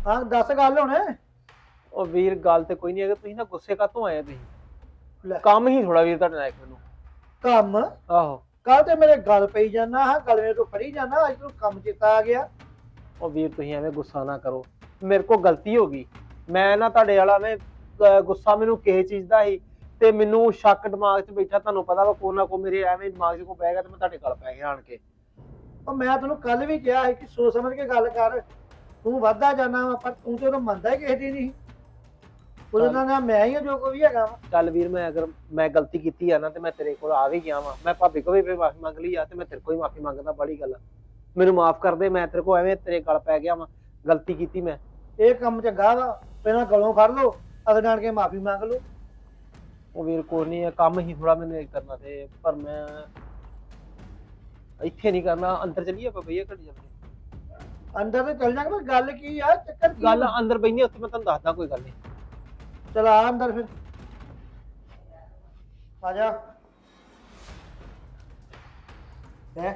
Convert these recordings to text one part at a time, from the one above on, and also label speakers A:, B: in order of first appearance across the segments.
A: ਹਾਂ ਦੱਸ ਗੱਲ ਹੁਣ।
B: ਉਹ ਵੀਰ ਗੱਲ ਤੇ ਕੋਈ ਨਹੀਂ ਹੈਗਾ, ਤੁਸੀਂ ਨਾ ਗੁੱਸੇ ਕਾਤੋਂ ਆਏ ਤੁਸੀਂ?
A: ਲੈ
B: ਕੰਮ ਹੀ ਥੋੜਾ ਵੀਰ ਤੁਹਾਡੇ ਨਾਲ ਇੱਕ ਮੈਨੂੰ।
A: ਕੰਮ
B: ਆਹੋ।
A: ਕੱਲ ਤੇ ਮੇਰੇ ਗੱਲ ਪਈ ਜਾਣਾ ਹਾਂ, ਗਲਵੇਂ ਤੋਂ ਫੜੀ ਜਾਣਾ, ਅੱਜ ਤੂੰ ਕੰਮ ਚੇਤਾ ਆ ਗਿਆ।
B: ਉਹ ਵੀਰ ਤੁਸੀਂ ਐਵੇਂ ਗੁੱਸਾ ਨਾ ਕਰੋ, ਮੇਰੇ ਕੋਲ ਗਲਤੀ ਹੋ ਗਈ। ਮੈਂ ਨਾ ਤੁਹਾਡੇ ਵਾਲਾ ਐਵੇਂ ਗੁੱਸਾ ਮੈਨੂੰ ਕਿਸੇ ਚੀਜ਼ ਦਾ ਸੀ, ਤੇ ਮੈਨੂੰ ਸ਼ੱਕ ਦਿਮਾਗ 'ਚ ਬੈਠਾ, ਤੁਹਾਨੂੰ ਪਤਾ ਵਾ ਕੋ ਨਾ ਕੋ ਮੇਰੇ ਐਵੇਂ ਦਿਮਾਗ 'ਚ ਕੋ ਪੈ ਗਿਆ ਤੇ ਮੈਂ ਤੁਹਾਡੇ ਗੱਲ ਪੈ ਗਿਆ ਆਣ ਕੇ।
A: ਉਹ ਮੈਂ ਤੈਨੂੰ ਕੱਲ ਵੀ ਕਿਹਾ ਸੀ ਕਿ ਸੋਚ ਸਮਝ ਕੇ ਗੱਲ ਕਰ। ਤੂੰ ਵੱਧਦਾ ਜਾਣਾ ਵਾ, ਪਰ ਤੂੰ ਤੇ ਉਹਨੂੰ ਮੰਨਦਾ ਹੀ ਕਿਸੇ ਦੀ ਨਹੀਂ। ਉਹਦੇ
B: ਚੱਲ
A: ਨਾਲ ਮੈਂ ਹੀ ਆ ਜੋ ਕੋਈ ਵੀ ਹੈਗਾ ਵਾ।
B: ਚੱਲ ਵੀਰ, ਮੈਂ ਅਗਰ ਮੈਂ ਗਲਤੀ ਕੀਤੀ ਆ ਨਾ ਤੇ ਮੈਂ ਤੇਰੇ ਕੋਲ ਆ ਵੀ ਗਿਆ ਵਾਂ, ਮੈਂ ਭਾਬੀ ਕੋਲ ਵੀ ਮਾਫੀ ਮੰਗ ਲਈ ਆ ਤੇ ਮੈਂ ਤੇਰੇ ਕੋਲ ਹੀ ਮਾਫੀ ਮੰਗਦਾ, ਬੜੀ ਗੱਲ ਆ। ਮੈਨੂੰ ਮਾਫ ਕਰ ਦੇ, ਮੈਂ ਤੇਰੇ ਕੋਲ ਐਵੇਂ ਤੇਰੇ ਗੱਲ ਪੈ ਗਿਆ ਵਾਂ, ਗਲਤੀ ਕੀਤੀ ਮੈਂ।
A: ਇਹ ਕੰਮ ਚੰਗਾ ਵਾ, ਪਹਿਲਾਂ ਗਲੋਂ ਫੜ ਲਓ, ਅਗਲੇ ਆਣ ਕੇ ਮਾਫੀ ਮੰਗ ਲਓ।
B: ਉਹ ਵੀਰ ਕੋਈ ਨਹੀਂ, ਕੰਮ ਹੀ ਥੋੜਾ ਮੈਨੂੰ ਇਹ ਕਰਨਾ ਤੇ, ਪਰ ਮੈਂ ਇੱਥੇ ਨਹੀਂ ਕਰਨਾ। ਅੰਦਰ ਚੱਲੀਏ ਆਪਾਂ ਭਈਆ, ਘੜੀ ਜਾਂਦੇ
A: ਅੰਦਰ ਤੇ ਚੱਲ ਜਾਗਾ, ਗੱਲ ਕੀ ਆ, ਚੱਕਰ ਕੀ
B: ਗੱਲ
A: ਆ?
B: ਅੰਦਰ ਬੈਠੀ ਉੱਥੇ ਮੈਂ ਤੁਹਾਨੂੰ ਦੱਸਦਾ, ਕੋਈ ਗੱਲ ਨਹੀਂ।
A: ਚਲ ਆ ਅੰਦਰ ਫਿਰ, ਆ ਜਾ। ਹੈ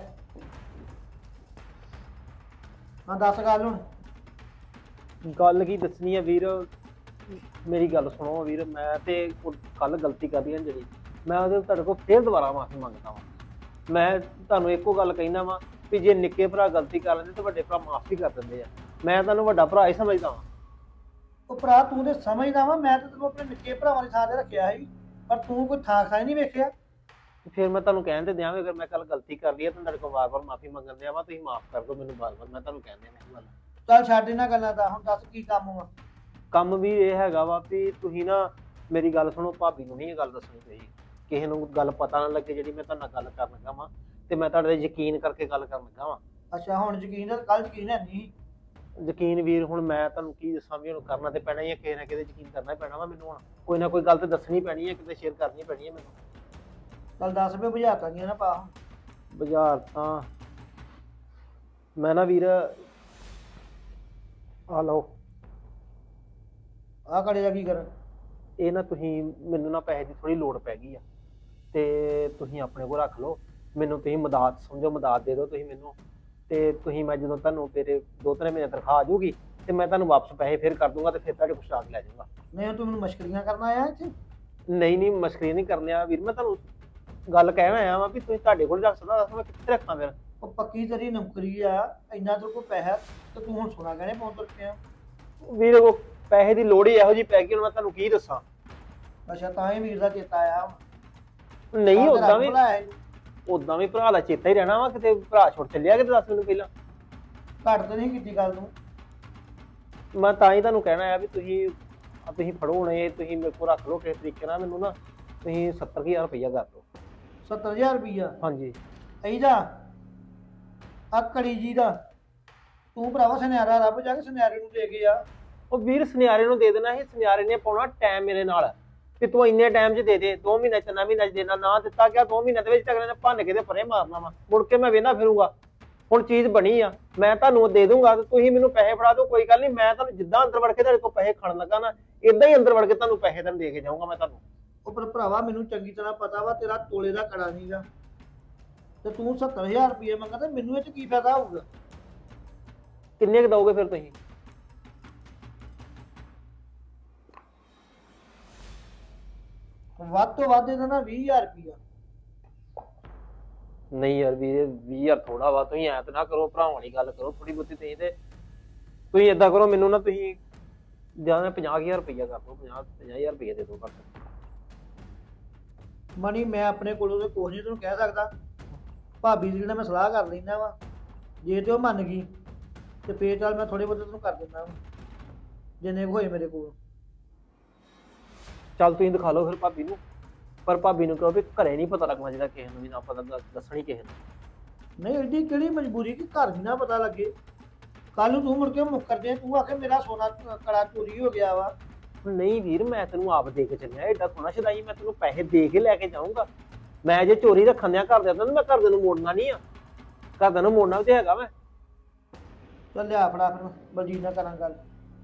A: ਹਾਂ ਦੱਸ ਗੱਲ ਹੁਣ।
B: ਗੱਲ ਕੀ ਦੱਸਣੀ ਆ ਵੀਰ, ਮੇਰੀ ਗੱਲ ਸੁਣੋ ਵੀਰ, ਮੈਂ ਤੇ ਕੱਲ ਗਲਤੀ ਕਰਦੀ ਹਾਂ ਜਿਹੜੀ, ਮੈਂ ਉਹਦੇ ਤੁਹਾਡੇ ਕੋਲ ਫੇਰ ਦੁਬਾਰਾ ਮਾਫੀ ਮੰਗਦਾ ਵਾਂ। ਮੈਂ ਤੁਹਾਨੂੰ ਇੱਕੋ ਗੱਲ ਕਹਿਣਾ ਵਾਂ ਵੀ ਜੇ ਨਿੱਕੇ ਭਰਾ ਗਲਤੀ ਕਰ ਲੈਂਦੇ ਤੇ ਵੱਡੇ ਭਰਾ ਮਾਫੀ ਕਰ ਦਿੰਦੇ ਆ। ਮੈਂ ਤੁਹਾਨੂੰ ਵੱਡਾ ਭਰਾ ਹੀ ਸਮਝਦਾ ਵਾਂ।
A: ਉਹ ਭਰਾ ਤੂੰ ਤੇ ਸਮਝਦਾ ਵਾ, ਮੈਂ ਤਾਂ ਤੈਨੂੰ ਆਪਣੇ ਨਿੱਕੇ ਭਰਾਵਾਂ ਦੀ ਥਾਂ ਤੇ ਰੱਖਿਆ ਸੀ, ਪਰ ਤੂੰ ਕੋਈ ਥਾਂ ਖਾਈ ਨਹੀਂ ਵੇਖਿਆ।
B: ਫਿਰ ਮੈਂ ਤੁਹਾਨੂੰ ਕਹਿਣ ਤੇ ਦਿਆਂ ਵੀ ਅਗਰ ਮੈਂ ਕੱਲ ਗਲਤੀ ਕਰ ਲਈ ਹੈ ਤਾਂ ਤੁਹਾਡੇ ਕੋਲ ਵਾਰ-ਵਾਰ ਮਾਫੀ ਮੰਗਣ ਦਿਆਂ ਵਾ, ਤੁਸੀਂ ਮਾਫ ਕਰ ਦਿਓ ਮੈਨੂੰ ਵਾਰ-ਵਾਰ, ਮੈਂ ਤੁਹਾਨੂੰ ਕਹਿੰਦੇ ਨੇ ਗੱਲ।
A: ਚੱਲ ਛੱਡ ਇਹਨਾਂ ਗੱਲਾਂ ਦਾ, ਹੁਣ ਦੱਸ ਕੀ ਕੰਮ ਵਾ।
B: ਕੰਮ ਵੀ ਇਹ ਹੈਗਾ ਵਾ ਵੀ ਤੁਸੀਂ ਨਾ ਮੇਰੀ ਗੱਲ ਸੁਣੋ, ਭਾਬੀ ਨੂੰ ਨਹੀਂ ਇਹ ਗੱਲ ਦੱਸਣੀ ਚਾਹੀਦੀ, ਕਿਸੇ ਨੂੰ ਗੱਲ ਪਤਾ ਨਾ ਲੱਗੇ ਜਿਹੜੀ ਮੈਂ ਤੁਹਾਡੇ ਨਾਲ ਗੱਲ ਕਰਨ ਲੱਗਾ ਵਾਂ, ਤੇ ਮੈਂ ਤੁਹਾਡੇ ਤੇ ਯਕੀਨ ਕਰਕੇ ਗੱਲ ਕਰਨ ਲੱਗਾ ਵਾਂ।
A: ਅੱਛਾ ਹੁਣ ਯਕੀਨ, ਕੱਲ ਯਕੀਨ ਹੈ ਨਹੀਂ।
B: ਯਕੀਨ ਵੀਰ ਹੁਣ ਮੈਂ ਤੁਹਾਨੂੰ ਕੀ ਦੱਸਾਂ ਵੀ ਹੁਣ ਕਰਨਾ ਤੇ ਪੈਣਾ ਹੀ ਹੈ, ਕਿਸੇ ਨਾ ਕਿਸੇ ਯਕੀਨ ਕਰਨਾ ਹੀ ਪੈਣਾ ਵਾ ਮੈਨੂੰ, ਹੁਣ ਕੋਈ ਨਾ ਕੋਈ ਗੱਲ ਤੇ ਦੱਸਣੀ ਪੈਣੀ ਹੈ, ਕਿਤੇ ਸ਼ੇਅਰ ਕਰਨੀ ਪੈਣੀ ਹੈ ਮੈਨੂੰ।
A: ਚੱਲ 10 ਰੁਪਏ ਬੁਝਾਤਾ ਦੀਆਂ ਨਾ ਪਾ।
B: ਬਾਜ਼ਾਰ ਤਾਂ ਮੈਂ ਨਾ ਵੀਰ ਆ ਲਓ,
A: ਆਹ ਕੜੇ ਦਾ ਕੀ ਕਰ?
B: ਇਹ ਨਾ ਤੁਸੀਂ ਮੈਨੂੰ ਨਾ ਪੈਸੇ ਦੀ ਥੋੜੀ ਲੋੜ ਪੈ ਗਈ ਆ, ਤੇ ਤੁਸੀਂ ਆਪਣੇ ਕੋਲ ਰੱਖ ਲਓ, ਮੈਨੂੰ ਤੁਸੀਂ ਮਦਦ ਸਮਝੋ, ਮਦਦ ਦੇ ਦਿਓ ਤੁਸੀਂ ਮੈਨੂੰ, ਤੇ ਤੁਸੀਂ ਮੈਂ ਜਦੋਂ ਤੁਹਾਨੂੰ ਤੇਰੇ 2-3 ਮਹੀਨੇ ਤਨਖਾਹ ਆ ਜਾਊਗੀ ਤੇ ਮੈਂ ਤੁਹਾਨੂੰ ਵਾਪਸ ਪੈਸੇ ਫਿਰ ਕਰ ਦੂੰਗਾ, ਤੇ ਫਿਰ ਤੁਹਾਡੇ ਕੋਲ ਸ਼ਾਕ ਲੈ ਜਾਊਂਗਾ।
A: ਨਹੀਂ ਤੂੰ ਮੈਨੂੰ ਮਸ਼ਕਰੀਆਂ ਕਰਨਾ ਆਇਆ ਇੱਥੇ?
B: ਨਹੀਂ ਨਹੀਂ, ਮਸਕਰੀ ਨਹੀਂ ਕਰਨੇ ਆ ਵੀਰ, ਮੈਂ ਤੁਹਾਨੂੰ ਗੱਲ ਕਹਿਣ ਆਇਆ ਵਾਂ ਵੀ ਤੁਸੀਂ ਤੁਹਾਡੇ ਕੋਲ ਰੱਖ ਸਕਦਾ, ਦੱਸ ਮੈਂ ਕਿੱਥੇ ਰੱਖਾਂ ਫਿਰ?
A: ਉਹ ਪੱਕੀ ਤੇਰੀ ਨੌਕਰੀ ਆ, ਇੰਨਾ ਤੇਰੇ ਕੋਲ ਪੈਸਾ ਤੇ ਤੂੰ ਹੁਣ ਸੋਨਾ ਗਹਿਣੇ ਪਾਉਣ ਤੁਰ ਪਿਆ।
B: ਵੀਰ ਉਹ ਪੈਸੇ ਦੀ ਲੋੜ ਹੀ ਇਹੋ ਜਿਹੀ ਪੈ ਗਈ, ਹੁਣ ਮੈਂ ਤੁਹਾਨੂੰ ਕੀ ਦੱਸਾਂ।
A: ਅੱਛਾ ਤਾਂ ਹੀ ਵੀਰ ਦਾ ਚੇਤਾ ਆਇਆ।
B: ਨਹੀਂ ਉਦਾਂ ਵੀ,
A: ਬੁਲਾਇਆ ਇਹਨੂੰ।
B: ਉਦਾਂ ਵੀ ਭਰਾ ਦਾ ਚੇਤਾ ਹੀ ਰਹਿਣਾ ਵਾ, ਕਿਤੇ ਭਰਾ ਛੁੱਟ ਚੱਲਿਆ ਕਿਤੇ, ਦੱਸ ਮੈਨੂੰ ਪਹਿਲਾਂ।
A: ਘੱਟ ਤੇ ਨਹੀਂ ਕੀਤੀ ਗੱਲ ਤੂੰ।
B: ਮੈਂ ਤਾਂ ਹੀ ਤੁਹਾਨੂੰ ਕਹਿਣਾ ਆ ਵੀ ਤੁਸੀਂ ਫੜੋ ਹੁਣ ਇਹ, ਤੁਸੀਂ ਮੇਰੇ ਕੋਲ ਰੱਖ ਲਓ ਕਿਸੇ ਤਰੀਕੇ ਨਾਲ, ਮੈਨੂੰ ਨਾ ਤੁਸੀਂ 70,000 ਰੁਪਈਆ ਕਰ ਦਿਓ।
A: 70,000 ਰੁਪਈਆ?
B: ਹਾਂਜੀ।
A: ਇਹਦਾ ਆ ਕੜੀ ਜੀ ਦਾ ਤੂੰ ਭਰਾਵਾ ਸੁਨਿਆਰਾ ਰੱਬ ਜਾ ਕੇ ਸੁਨਿਆਰੇ ਨੂੰ ਦੇ ਕੇ ਆ।
B: ਉਹ ਵੀਰ ਸੁਨਿਆਰੇ ਨੂੰ ਦੇ ਦੇਣਾ ਸੀ, ਸੁਨਿਆਰੇ ਨੇ ਪਾਉਣਾ ਟਾਈਮ ਮੇਰੇ ਨਾਲ, ਕਿ ਤੂੰ ਇੰਨੇ ਟਾਈਮ 'ਚ ਦੇ ਦੇ, 2 ਮਹੀਨੇ 3 ਮਹੀਨੇ 'ਚ ਦੇਣਾ, ਨਾ ਦਿੱਤਾ ਗਿਆ 2 ਮਹੀਨਿਆਂ ਦੇ ਵਿੱਚ ਅਗਲੇ ਨੇ ਭੰਨ ਕੇ ਤੇ ਪਰੇ ਮਾਰਨਾ ਵਾ, ਮੁੜ ਕੇ ਮੈਂ ਵੇਹਨਾ ਫਿਰੂੰਗਾ। ਹੁਣ ਚੀਜ਼ ਬਣੀ ਆ, ਮੈਂ ਤੁਹਾਨੂੰ ਦੇ ਦੂੰਗਾ ਤੇ ਤੁਸੀਂ ਮੈਨੂੰ ਪੈਸੇ ਫੜਾ ਦਿਓ, ਕੋਈ ਗੱਲ ਨਹੀਂ, ਮੈਂ ਤੁਹਾਨੂੰ ਜਿੱਦਾਂ ਅੰਦਰ ਵੜ ਕੇ ਤੁਹਾਡੇ ਕੋਲ ਪੈਸੇ ਖੜਨ ਲੱਗਾ ਨਾ, ਇਦਾਂ ਹੀ ਅੰਦਰ ਵੜ ਕੇ ਤੁਹਾਨੂੰ ਪੈਸੇ ਤੁਹਾਨੂੰ ਦੇ ਕੇ ਜਾਊਂਗਾ ਮੈਂ ਤੁਹਾਨੂੰ।
A: ਉਹ ਪਰ ਭਰਾਵਾ ਮੈਨੂੰ ਚੰਗੀ ਤਰ੍ਹਾਂ ਪਤਾ ਵਾ ਤੇਰਾ ਤੋਲੇ ਦਾ ਕੜਾ ਨਹੀਂਗਾ, ਤੇ ਤੂੰ 70,000 ਰੁਪਏ ਮੰਗਾ ਤੇ ਮੈਨੂੰ ਇਹ 'ਚ ਕੀ ਫਾਇਦਾ ਹੋਊਗਾ?
B: ਕਿੰਨੇ ਕੁ ਦਓਗੇ ਫਿਰ ਤੁਸੀਂ?
A: ਵੱਧ ਤੋਂ ਵੱਧ ਇਹਦਾ ਨਾ 20,000 ਰੁਪਈਆ।
B: ਨਹੀਂ ਯਾਰ ਵੀਰੇ, 20,000 ਥੋੜਾ ਵਾ, ਤੁਸੀਂ ਐਂ ਤਾਂ ਨਾ ਕਰੋ, ਭਰਾਵਾਂ ਵਾਲੀ ਗੱਲ ਕਰੋ ਥੋੜੀ ਬਹੁਤੀ, ਤੁਸੀਂ ਏਦਾਂ ਕਰੋ, ਮੈਨੂੰ ਨਾ ਤੁਸੀਂ ਜਾਂ 50,000 ਰੁਪਈਆ ਕਰ ਦਿਓ, 50,000 ਰੁਪਈਆ ਦੇ ਦਿਓ ਘੱਟ।
A: ਮਣੀ ਮੈਂ ਆਪਣੇ ਕੋਲੋਂ ਤੇ ਕੁਛ ਨਹੀਂ ਤੈਨੂੰ ਕਹਿ ਸਕਦਾ, ਭਾਬੀ ਦੀ ਨਾਲ ਮੈਂ ਸਲਾਹ ਕਰ ਲੈਂਦਾ ਵਾ, ਜੇ ਤੇ ਉਹ ਮੰਨ ਗਈ ਤੇ ਫੇਰ ਚੱਲ ਮੈਂ ਥੋੜੇ ਬਹੁਤੇ ਤੈਨੂੰ ਕਰ ਦਿੰਦਾ ਵਾ, ਜਿੰਨੇ ਕੁ ਹੋਏ ਮੇਰੇ ਕੋਲ।
B: ਚੱਲ ਤੁਸੀਂ ਦਿਖਾ ਲਓ ਫਿਰ ਭਾਬੀ ਨੂੰ, ਪਰ ਭਾਬੀ ਨੂੰ ਕਹੋ ਵੀ ਘਰੇ ਨਹੀਂ ਪਤਾ ਲੱਗਣਾ ਜਿਹੜਾ ਕਿਸੇ ਨੂੰ ਵੀ ਨਾ ਪਤਾ ਦੱਸਣੀ ਕਿਸੇ ਨੂੰ।
A: ਨਹੀਂ ਐਡੀ ਕਿਹੜੀ ਮਜਬੂਰੀ ਕਿ ਘਰ ਵੀ ਨਾ ਪਤਾ ਲੱਗੇ, ਕੱਲ ਨੂੰ ਤੂੰ ਮੁੜ ਕੇ ਮੁੱਕਰ ਦੇ, ਤੂੰ ਆਖੇ ਮੇਰਾ ਸੋਨਾ ਕੜਾ ਚੋਰੀ ਹੋ ਗਿਆ ਵਾ।
B: ਨਹੀਂ ਵੀਰ, ਮੈਂ ਤੈਨੂੰ ਆਪ ਦੇ ਕੇ ਚੱਲਿਆ, ਏਡਾ ਸੋਹਣਾ ਛਦਾਈ, ਮੈਂ ਤੈਨੂੰ ਪੈਸੇ ਦੇ ਕੇ ਲੈ ਕੇ ਜਾਊਂਗਾ। ਮੈਂ ਜੇ ਚੋਰੀ ਰੱਖਣ ਦਿਆਂ ਘਰ ਦੇ ਤਾਂ ਮੈਂ ਘਰਦਿਆਂ ਨੂੰ ਮੋੜਨਾ ਨਹੀਂ ਆ, ਘਰਦਿਆਂ ਨੂੰ ਮੋੜਨਾ ਵੀ ਤੇ ਹੈਗਾ ਮੈਂ।
A: ਚੱਲ ਲਿਆ ਫੜਾ ਫਿਰ, ਬਲਜੀਤ ਨਾਲ ਕਰਾਂ ਗੱਲ।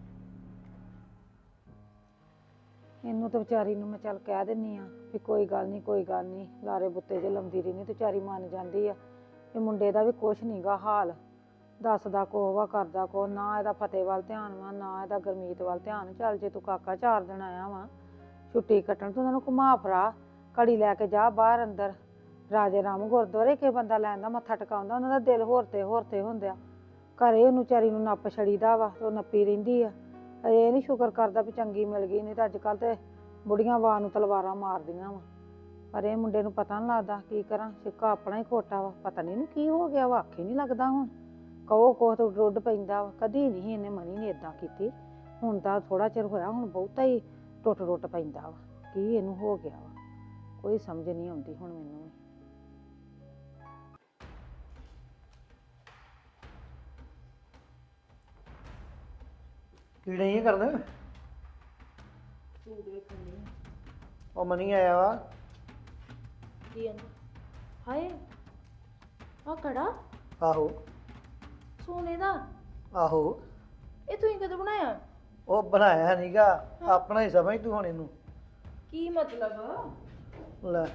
C: ਇਹਨੂੰ ਤਾਂ ਵਿਚਾਰੀ ਨੂੰ ਮੈਂ ਚੱਲ ਕਹਿ ਦਿੰਨੀ ਆ ਵੀ ਕੋਈ ਗੱਲ ਨਹੀਂ, ਕੋਈ ਗੱਲ ਨਹੀਂ, ਲਾਰੇ ਬੁੱਤੇ ਜੇ ਲਾਉਂਦੀ ਰਹਿੰਦੀ ਤੇ ਵਿਚਾਰੀ ਮੰਨ ਜਾਂਦੀ ਆ। ਇਹ ਮੁੰਡੇ ਦਾ ਵੀ ਕੁਛ ਨਹੀਂਗਾ ਹਾਲ, ਦੱਸਦਾ ਕੋ ਵਾ ਕਰਦਾ ਕੋ ਨਾ ਇਹਦਾ ਫਤਿਹ ਵੱਲ ਧਿਆਨ ਵਾ ਨਾ ਇਹਦਾ ਗੁਰਮੀਤ ਵੱਲ ਧਿਆਨ। ਚੱਲ ਜੇ ਤੂੰ ਕਾਕਾ 4 ਦਿਨ ਆਇਆ ਵਾ ਛੁੱਟੀ ਕੱਟਣ ਤੂੰ ਉਹਨਾਂ ਨੂੰ ਘੁਮਾ ਫਰਾ ਘੜੀ ਲੈ ਕੇ ਜਾ ਬਾਹਰ ਅੰਦਰ ਰਾਜੇ ਰਾਮ ਗੁਰਦੁਆਰੇ ਕੇ ਬੰਦਾ ਲੈਂਦਾ ਮੱਥਾ ਟਿਕਾਉਂਦਾ ਉਹਨਾਂ ਦਾ ਦਿਲ ਹੋਰ ਤੇ ਹੁੰਦਿਆ। ਘਰੇ ਉਹਨੂੰ ਚਾਰੀ ਨੂੰ ਨੱਪ ਛੜੀਦਾ ਵਾ ਤੇ ਉਹ ਨੱਪੀ ਰਹਿੰਦੀ ਆ। ਇਹ ਨਹੀਂ ਸ਼ੁਕਰ ਕਰਦਾ ਵੀ ਚੰਗੀ ਮਿਲ ਗਈ, ਨਹੀਂ ਤਾਂ ਅੱਜ ਕੱਲ ਤੇ ਬੁੜੀਆਂ ਵਾਰ ਨੂੰ ਤਲਵਾਰਾਂ ਮਾਰਦੀਆਂ ਵਾ। ਪਰ ਇਹ ਮੁੰਡੇ ਨੂੰ ਪਤਾ ਨਹੀਂ ਲੱਗਦਾ ਕੀ ਕਰਾਂ, ਸਿੱਕਾ ਆਪਣਾ ਹੀ ਖੋਟਾ ਵਾ। ਪਤਾ ਨਹੀਂ ਇਹਨੂੰ ਕੀ ਹੋ ਗਿਆ ਵਾ, ਆਖੇ ਨਹੀਂ ਲੱਗਦਾ ਹੁਣ। ਕਹੋ ਕੋਹ ਤੋਂ ਰੁੱਡ ਪੈਂਦਾ ਵਾ। ਕਦੀ ਨਹੀਂ ਇਹਨੇ ਮਨੀ ਨੇ ਇਦਾਂ ਕੀਤੀ, ਹੁਣ ਤਾਂ ਥੋੜਾ ਚਿਰ ਹੋਇਆ, ਹੁਣ ਬਹੁਤਾ ਹੀ ਟੁੱਟ ਪੈਂਦਾ ਵਾ। ਕੀ ਇਹਨੂੰ ਹੋ ਗਿਆ ਵਾ, ਕੋਈ ਸਮਝ ਨਹੀਂ ਆਉਂਦੀ ਹੁਣ ਮੈਨੂੰ ਵੀ।
A: ਕੀ ਨਹੀਂ ਕਰਨਾ?
D: ਸੂਟ ਵੇਖਣੀ
A: ਉਹ ਮਨੀ ਆਇਆ ਵਾ।
D: ਕੀ ਆਂਦਾ? ਹਾਏ ਆ ਕੜਾ
A: ਆਹੋ
D: ਸੋਨੇ ਦਾ,
A: ਆਹੋ।
D: ਇਹ ਤੂੰ ਕਦੋਂ ਬਣਾਇਆ?
A: ਉਹ ਬਣਾਇਆ ਨੀਗਾ, ਆਪਣਾ ਹੀ ਸਮਝ ਤੂੰ ਹੁਣ ਇਹਨੂੰ।
D: ਕੀ ਮਤਲਬ?
A: ਲੈ